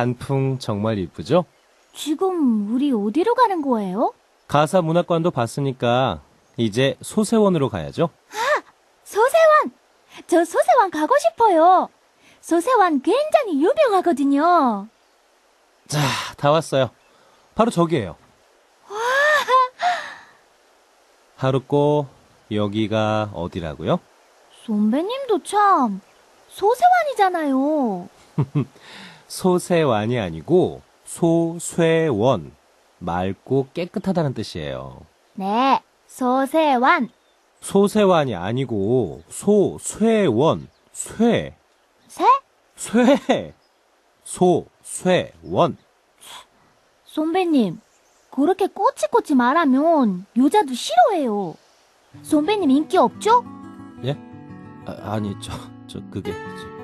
단풍 정말 이쁘죠? 지금 우리 어디로 가는 거예요? 가사문화관도 봤으니까 이제 소세원으로 가야죠. 소세원! 저 소세원 가고 싶어요. 소세원 굉장히 유명하거든요. 자, 다 왔어요. 바로 저기예요. 하루꼬, 여기가 어디라고요? 선배님도 참 소세원이잖아요. 소세완이 아니고 소쇠원. 맑고 깨끗하다는 뜻이에요. 네, 소세원. 소세완이 아니고 소쇠원. 쇠. 새? 쇠. 소쇠원. 선배님, 그렇게 꼬치꼬치 말하면 여자도 싫어해요. 선배님 인기 없죠? 예? 아니, 그게.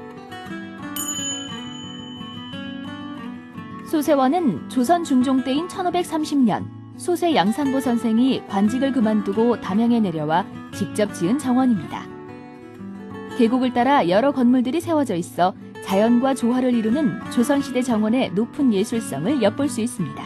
소세원은 조선 중종 때인 1530년 소세 양산보 선생이 관직을 그만두고 담양에 내려와 직접 지은 정원입니다. 계곡을 따라 여러 건물들이 세워져 있어 자연과 조화를 이루는 조선시대 정원의 높은 예술성을 엿볼 수 있습니다.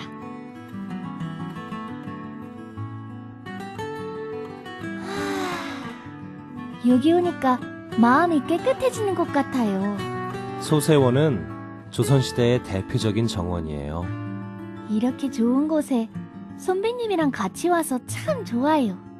여기 오니까 마음이 깨끗해지는 것 같아요. 소세원은 조선시대의 대표적인 정원이에요. 이렇게 좋은 곳에 선배님이랑 같이 와서 참 좋아요.